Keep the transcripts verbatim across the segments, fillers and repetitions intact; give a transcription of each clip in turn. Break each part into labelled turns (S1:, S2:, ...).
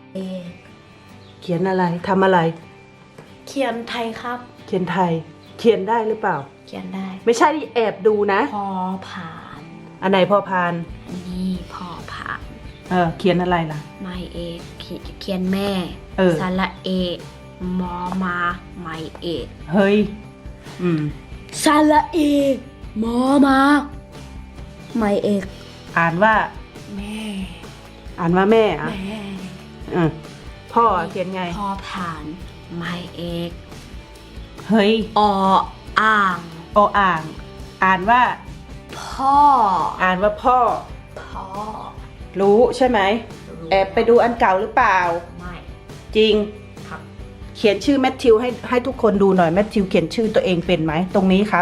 S1: เอก
S2: เขียนอะไรทำอะไร
S1: เขียนไทยครับ
S2: เขียนไทยเขียนได้หรือเปล่า
S1: เขียนได้
S2: ไม่ใช่แอบดูนะ
S1: พอผ่าน
S2: อันไหนพอพาน
S1: อันนี้พอผ่าน
S2: เออเขียนอะไรล่ะ
S1: ไม่เอกเขียนแม่
S2: เออ
S1: สระเอกมอมาไม่เอก
S2: เฮ้ยอืม
S1: สระเอกมอมาไม่เอก
S2: อ่านว่า
S1: แม่
S2: อ่านว่าแม่อะ
S1: แม่
S2: อืมพ่อเขียนไง
S1: พอผ่านไม่เอก
S2: เฮ้ย
S1: ออ่าง
S2: ออ่าง อ่านว่า
S1: พ่อ
S2: อ่านว่าพ่อ
S1: พ่อ
S2: รู้ใช่ไหมแอบไปดูอันเก่าหรือเปล่า
S1: ไม่
S2: จริง
S1: ครับ
S2: เขียนชื่อแมทธิวให้ให้ทุกคนดูหน่อยแมทธิวเขียนชื่อตัวเองเป็นไหมตรงนี้ครับ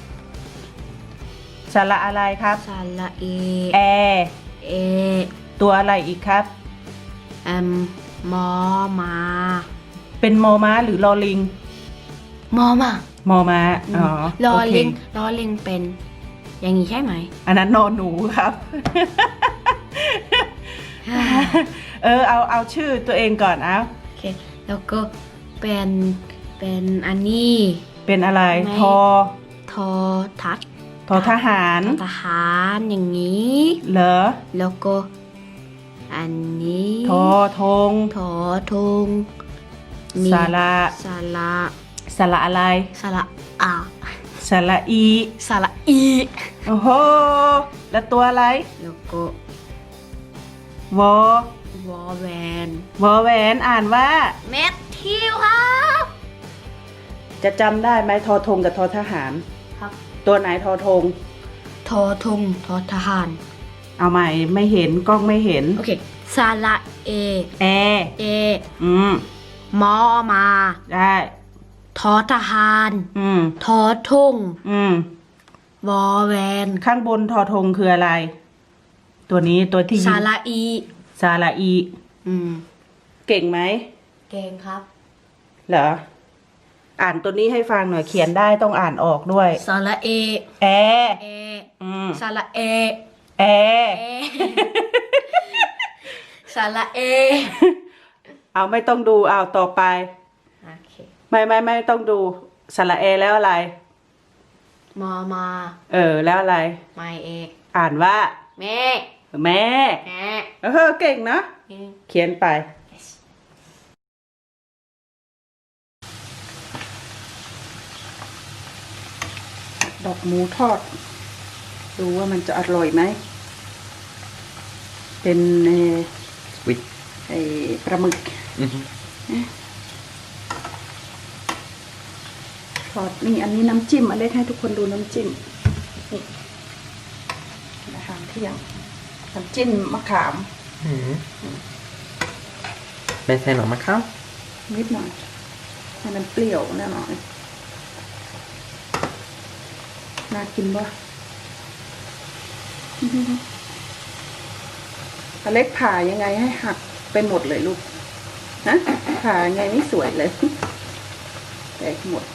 S2: สระอะไรครับ
S1: สระเอ
S2: แอ
S1: เอ
S2: ตัวอะไรอีกครับ
S1: เอ็มมอมา
S2: เป็นมอม้าหรือลอลิง
S1: มอมาม
S2: อม้าอ๋อ
S1: ลอลิงลอลิงเป็นอย่างนี้ใช่ไหม
S2: อันนั้นนอนหนูครับเออเอาเอาชื่อตัวเองก่อนเอา
S1: โอเคแล้วก็เป็นเป็นอันนี้
S2: เป็นอะไรทอ
S1: ทอทัด
S2: ทอทหาร
S1: ทหารอย่างนี้
S2: เหรอ
S1: แล้วก็อันนี้
S2: ทอธง
S1: ทอธง
S2: สาระ
S1: สาระ
S2: สาระอะไร
S1: สาระอา
S2: สาระอี
S1: สาระอี
S2: โอ้โหแล้วตัวอะไร
S1: แล้วก็
S2: วอ
S1: วอแวน
S2: วอแวนอ่านว่า
S1: แมทธิวครับ
S2: จะจำได้ไหมทอธงกับทอทหาร
S1: ครับ
S2: ตัวไหนทอธง
S1: ทอธงทอทหาร
S2: เอาใหม่ไม่เห็นกล้องไม่เห็น
S1: โอเคสาระเอ
S2: แอ
S1: เอ
S2: อืม
S1: มอมา
S2: ได้
S1: ทอทหาร
S2: อืม
S1: ทอธง
S2: อืม
S1: วอแวน
S2: ข้างบนทอธงคืออะไรตัวนี้ตัวที่
S1: สาระอี
S2: สาระอี
S1: อืม
S2: เก่งไหม
S1: เก่งครับ
S2: เหรออ่านตัวนี้ให้ฟังหน่อยเขียนได้ต้องอ่านออกด้วย
S1: สาระเอ
S2: แอ
S1: เอ
S2: อืม
S1: สาระเอ
S2: แอ
S1: สาระเอ
S2: เอาไม่ต้องดูเอาต่อไป
S1: โอเค
S2: ไม่ไม่ไม่ต้องดูสระเอแล้วอะไร
S1: มอมา
S2: เออแล้วอะไร
S1: ไม่เอก
S2: อ่านว่า
S1: แม่
S2: แม่
S1: แม่
S2: เออเก่งนะเขียนไปดอกหมูทอดดูว่ามันจะอร่อยไหมเป็นเอวิไอปลาหมึกทอดนี่อันนี้น้ำจิ้มอเล็กให้ทุกคนดูน้ำจิ้มนี่อาหารเที่ยงน้ำจิ้มมะขาม
S3: ไม่ใส่หรอมะขาม
S2: นิดหน่อยให้มันเปรี้ยวแน่นอนน่ากินป่ะอเล็กผ่ายังไงให้หักไปหมดเลยลูกนะผ่ายังไงไม่สวยเลยแตกหมด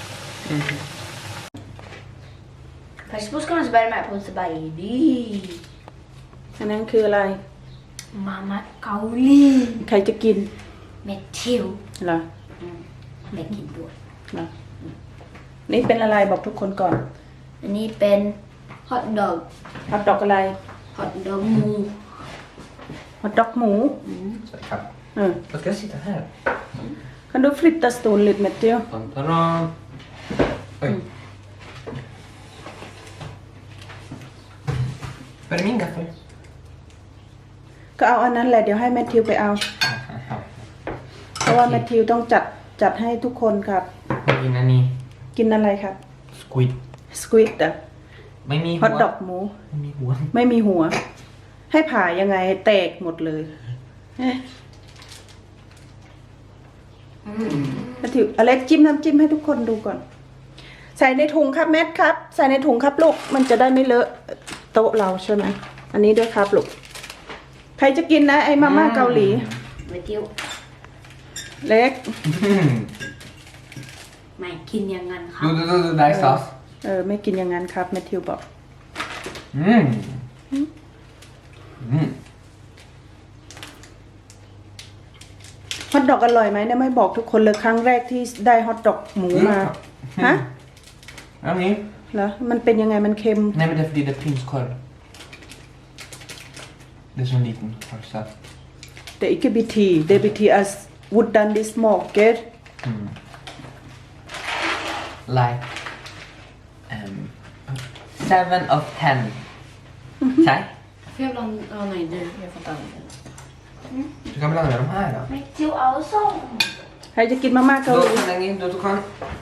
S1: Först ska man börja med på så bara det
S2: อันนั้นคืออะไร
S1: Mamma Kauli
S2: ใครจะกิน
S1: Matthew
S2: เหรอ
S1: ไม่กินด้วย
S2: เหรอนี่เป็นอะไรบอกทุกคนก่อน
S1: อันนี้เป็นฮอทดอก
S2: ฮอทดอกอะไร
S1: ฮอทดอกหมู
S2: ฮอทดอกหมู
S3: ครับ
S2: เออ
S3: Vad ska jag sitta här?
S2: Kan du flytta stolen lite Matteo?
S3: Pantaran. Oj. Var är min gaffel?
S2: ก็เอาอันนั้นแหละเดี๋ยวให้แมทธิวไปเอาเพราะว่าแมทธิวต้องจัดจัดให้ทุกคนครับ
S3: กินอันนี้
S2: กินอะไรครับ
S3: สควิด
S2: สควิดอ่ะ
S3: ไม่มี
S2: ฮอทดอกหมู
S3: ไม่มีหัว
S2: ไม่มีหัวให้ผ่ายังไงแตกหมดเลยแมทธิวอเล็กจิ้มน้ำจิ้มให้ทุกคนดูก่อนใส่ในถุงครับแมทครับใส่ในถุงครับลูกมันจะได้ไม่เลอะโต๊ะเราใช่ไหมอันนี้ด้วยครับลูกใครจะกินนะไอ้มาม่าเกาหลี
S1: ไม่เที่ยว
S2: เล็ก
S1: ไม่กินอย่างนั้นครับ
S3: ดูดูดูได้ซอส
S2: เออไม่กินอย่างนั้นครับแมทธิวบอก
S3: อืมอืม
S2: ฮอทดอกอร่อยไหมเนี่ยไม่บอกทุกคนเลยครั้งแรกที่ได้ฮอทดอกหมูมาฮะ
S3: อันนี้
S2: เหรอมันเป็นยังไงมันเค็ม
S3: Nej men det är för det är prinskorv. Det är så liten pölsa.
S2: แต่อีกบิทีเดบิทีas would done this market
S3: Mm. Like um, seven of ten. Säg.
S1: เทียบลองเอาไหนดูเทียบฟัง
S3: Du kan blanda med de här då.
S1: ไม่จิวเอาส้ม
S2: ใครจะกินมาม่าเกาห
S3: Då
S2: ลี
S3: kan den in, då kan...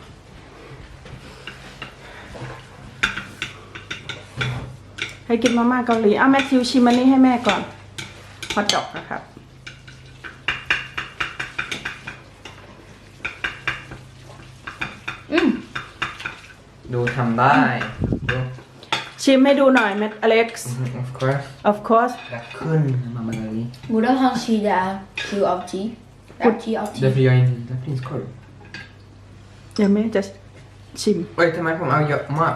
S2: ให้กินมาม่าเกาหลีเอาแมทธิวชิมอันนี้ให้แม่ก่อนฮอทดอกนะครับ
S1: อืม
S3: Du kan där. Då.
S2: ชิมให้ดูหน่อยแมทอเล็กซ์
S3: Mhm, of course.
S2: of course
S3: Jag kunde mamma Gali.
S1: บูดาฮังชีดาคิวเอาจีเอาจีเอาจี
S3: Därför jag inte gillar prinskorv.
S2: เดี๋ยวแม่จะชิม
S3: Oj, ta med på mig och mat.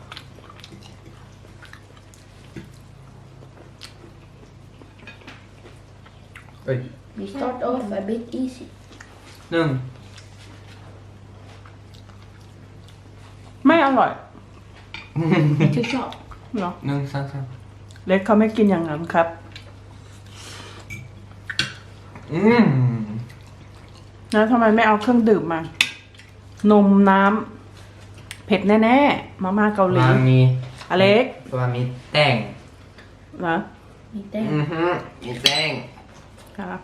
S3: Oj.
S1: we start off a bit easy
S3: Nung.
S2: ไม่อร่อย
S1: ที่ชอบ
S2: เหรอ
S3: Nung, san, san.
S2: เล็กเขาไม่กินอย่างนั้นครับ
S3: Mm.
S2: แล้วทำไมไม่เอาเครื่องดื่มมา นมน้ำเผ็ดแน่ๆมาม่าเกาหลี
S3: Man mi...
S2: อเล็ก
S3: Vad mi täng.
S2: เหรอ
S1: มีแต้ม
S3: Mhm, mi täng.
S2: ครับ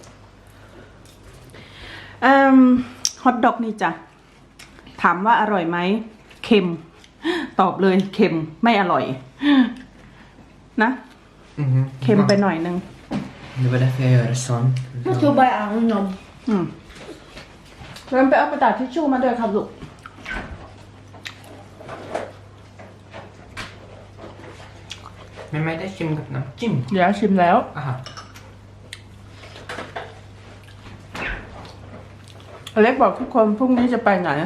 S2: อืมฮอทดอกนี่จ้ะ ถามว่าอร่อยไหม เค็ม ตอบเลยเค็มไม่อร่อย นะ
S3: Mhm.
S2: เค็มไปหน่อยนึง
S3: Det var därför jag gör sån.
S1: มาชูใบอ่างนม
S2: อืมเริ่มไปเอากระดาษทิชชู่มาด้วยครับลูก
S3: Men med det kimกับน้ำจิ้ม
S2: เดี๋ยวชิมแล้ว
S3: Aha.
S2: อเล็กบอกทุกคนพรุ่งนี้จะไปไหน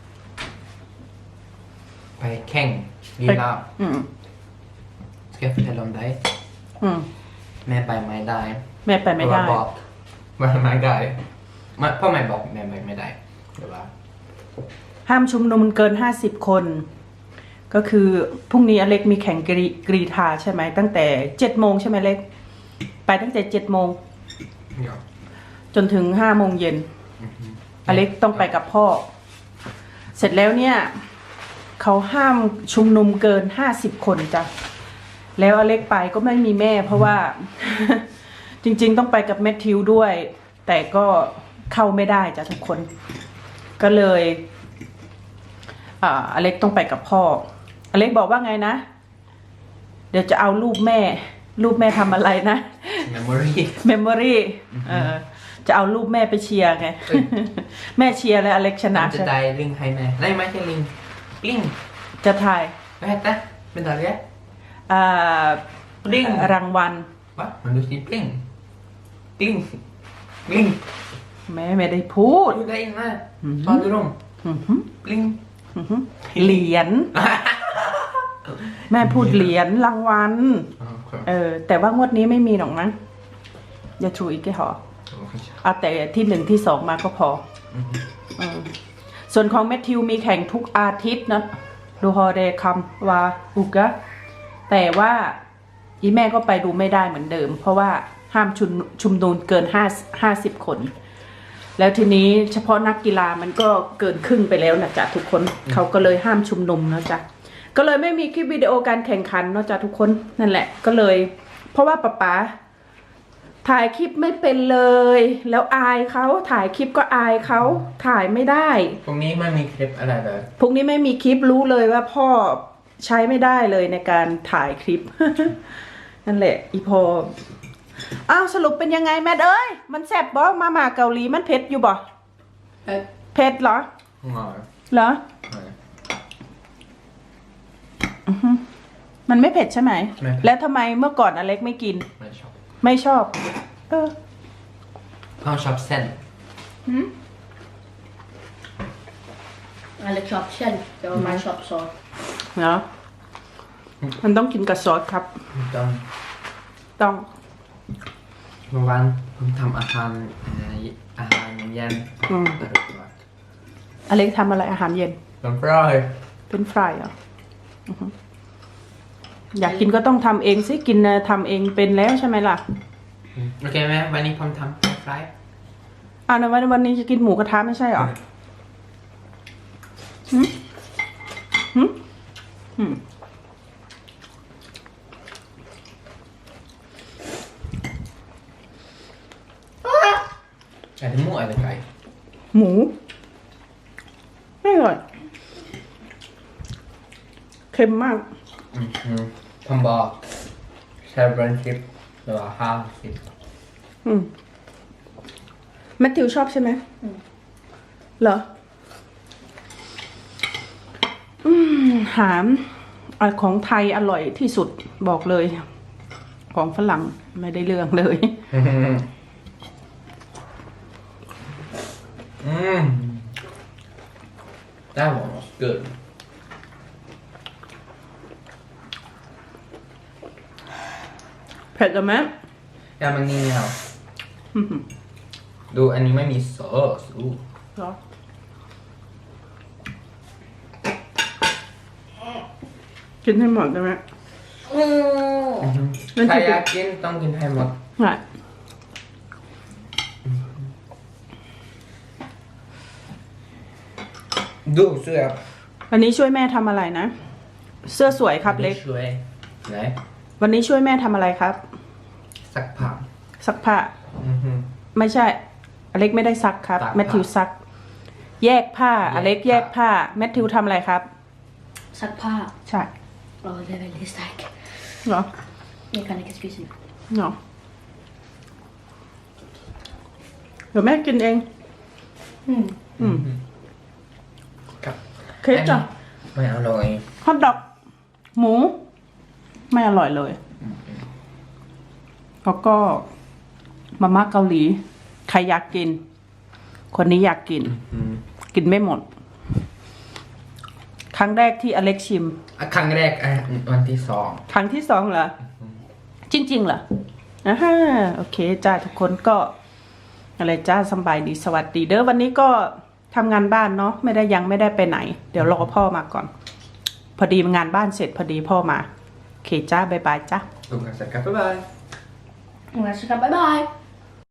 S3: ไปแข่งลีลา
S2: อืม
S3: Ska jag fortälla om dig?
S2: อืม
S3: แม่ไปไม่ได้
S2: แม่ไปไม่ได้
S3: เพราะว่าบอกว่าไม่ได้ไม่พ่อแม่บอกแม่ไปไม่ได้เดี๋ยวว่า
S2: ห้ามชุมนุมเกินห้าสิบคน ก็คือพรุ่งนี้อเล็กมีแข่งกรีกรีธาใช่ไหม ตั้งแต่เจ็ดโมงใช่ไหมเล็ก ไปตั้งแต่เจ็ดโมง
S3: ja.
S2: จนถึงห้าโมงเย็น อเล็กต้องไปกับพ่อ เสร็จแล้วเนี่ย เขาห้ามชุมนุมเกินห้าสิบคนจ้ะ แล้วอเล็กไปก็ไม่มีแม่ เพราะว่า จริงๆต้องไปกับแมทธิวด้วย แต่ก็เข้าไม่ได้จ้ะทุกคน ก็เลยอ่าอเล็กต้องไปกับพ่อ อเล็กบอกว่าไงนะ เดี๋ยวจะเอารูปแม่ รูปแม่ทำอะไรนะ
S3: memory
S2: เมมโมรี่เออจะเอารูปแม่ไปเชียร์ไง แม่เชียร์แล้วอเล็กชนะ
S3: จะ
S2: ใช่ไหม
S3: ได้ลิงให้แม่ไม่ไม่ใช่ลิงลิง
S2: จะถ่าย
S3: vad hette medalj
S2: อ่า
S3: Bling
S2: รางวัล
S3: va men du säger bling bling bling
S2: แม่ไม่ได้พูด
S3: du där inne
S2: Mhm.
S3: vad du dem
S2: อือหือ
S3: bling
S2: อือหือเหรียญ แม่พูดเหรียญรางวัล เออ แต่ว่างวดนี้ไม่มีหรอกนะอย่าชูอีกแค่หอเอาแต่ที่หนึ่งที่สองมาก็พอเออส่วนของแมทธิวมีแข่งทุกอาทิตย์นะดูฮอเดคัมวาอุกะแต่ว่าอีแม่ก็ไปดูไม่ได้เหมือนเดิม เพราะว่าห้ามชุมชุมนุมเกินห้าห้าสิบคน แล้วทีนี้เฉพาะนักกีฬามันก็เกินครึ่งไปแล้วนะจ๊ะทุกคนเขาก็เลยห้ามชุมนุมนะจ๊ะก็เลยไม่มีคลิปวิดีโอการแข่งขันเนาะจ๊ะทุกคนนั่นแหละก็เลย เพราะว่าป๊าป๊าถ่ายคลิปไม่เป็นเลย แล้วอายเขาถ่ายคลิปก็อายเขาถ่ายไม่ได้
S3: ตรงนี้ไม่มีคลิปอะไรเลย
S2: พรุ่งนี้ไม่มีคลิปรู้เลยว่าพ่อใช้ไม่ได้เลยในการถ่ายคลิป นั่นแหละ อีพออ้าวสรุปเป็นยังไงแม่เอ้ยมันแซ่บบ่มาม่าเกาหลีมันเผ็ดอยู่บ่
S1: เอ๊ะ
S2: เผ็ดเหรอ
S3: Nej.
S2: เหรอ
S3: Nej.
S2: อือฮึมันไม่เผ็ดใช่ไหม
S3: ไม่เผ็ด
S2: แล้วทำไมเมื่อก่อนอเล็กไม่กิน
S3: ไม่ชอบ
S2: ไม่ชอบ เออ
S3: พ่อชอบเส้น
S1: หืมอะไรชอบเช่นแต่ว่ามาชอบซอส
S2: เนาะมันต้องกินกับซอสครับ
S3: ต้อง
S2: ต้อง
S3: เมื่อวานผมทำอาหารเอ่ออาหารเย็น
S2: อืม
S3: อร่อยมาก
S2: อเล็กทำอะไรอาหารเย็น
S3: น้ำฟราย
S2: เป็นฟรายเหรออือฮึอยากกินก็ต้องทำเองสิกินน่ะทำเองเป็นแล้วใช่ไหมล่ะ
S3: โอเคไหมวันนี้ผมทำน้ำฟราย
S2: อ่าในวันวันนี้จะกินหมูกระทะไม่ใช่เหรอหืมหืมหืม
S3: Är det må eller kaj?
S2: หมูไม่อร่อยเค็มมาก
S3: Mm.ผมบอกแชร์บรันชิปหรือว่าห้าสิบ
S2: อืมแมทธิวชอบใช่ไหมเหรอ อืมหามอ่ะของไทยอร่อยที่สุดบอกเลย ของฝรั่งไม่ได้เรื่องเลย
S3: Mm. That one was good.
S2: เผ็ดเหรือไหม
S3: Ja men ni har.
S2: อืม
S3: ดูอันนี้ไม่มีซอสอู้
S2: เหรอกินให้หมดได้ไหม นั่น
S3: ใคร
S2: คือ
S3: อยากกินต้องกินให้หมด
S2: ง่าย
S3: ดูเสื้อ
S2: วันนี้ช่วยแม่ทำอะไรนะ เสื้อสวยครับเล็ก
S3: ช่วยไหน
S2: วันนี้ช่วยแม่ทำอะไรครับ
S3: สักผัก
S2: ซักผ้า
S3: อือฮึ
S2: ไม่ใช่ อเล็กไม่ได้ซักครับ
S3: ซักผ้า
S2: แมทธิวซัก แยกผ้า
S3: แยก
S2: อเล็กแยกผ้า แมทธิวทำอะไรครับ
S1: ซักผ้า
S2: ใช่
S1: โอ้det är väldigt starkt
S2: เหรอ
S1: jag kan inte spisa nu
S2: เหรอเดี๋ยวแม่กินเอง
S1: mm.
S2: อืม
S3: ครับ
S2: เค้กจ้ะ
S3: ไม่อร่อย
S2: ฮอทดอก หมู ไม่อร่อยเลย แล้วก็มาม่าเกาหลี ใครอยากกิน คนนี้อยากกิน
S3: อืม
S2: กินไม่หมด ครั้งแรกที่อเล็กชิม
S3: อ่ะครั้งแรกอ่ะวันที่สอง
S2: ครั้งที่สองเหรอ จริงๆเหรออ่าฮะโอเคจ้าทุกคนก็อะไรจ้าสบายดีสวัสดีเด้อวันนี้ก็ทำงานบ้านเนาะไม่ได้ยังไม่ได้ไปไหน เดี๋ยวรอพ่อมาก่อน พอดีงานบ้านเสร็จพอดีพ่อมาโอเคจ้าบ๊ายบายจ้า
S3: ดูกันสักครับบ๊ายบาย
S1: jag ska bye bye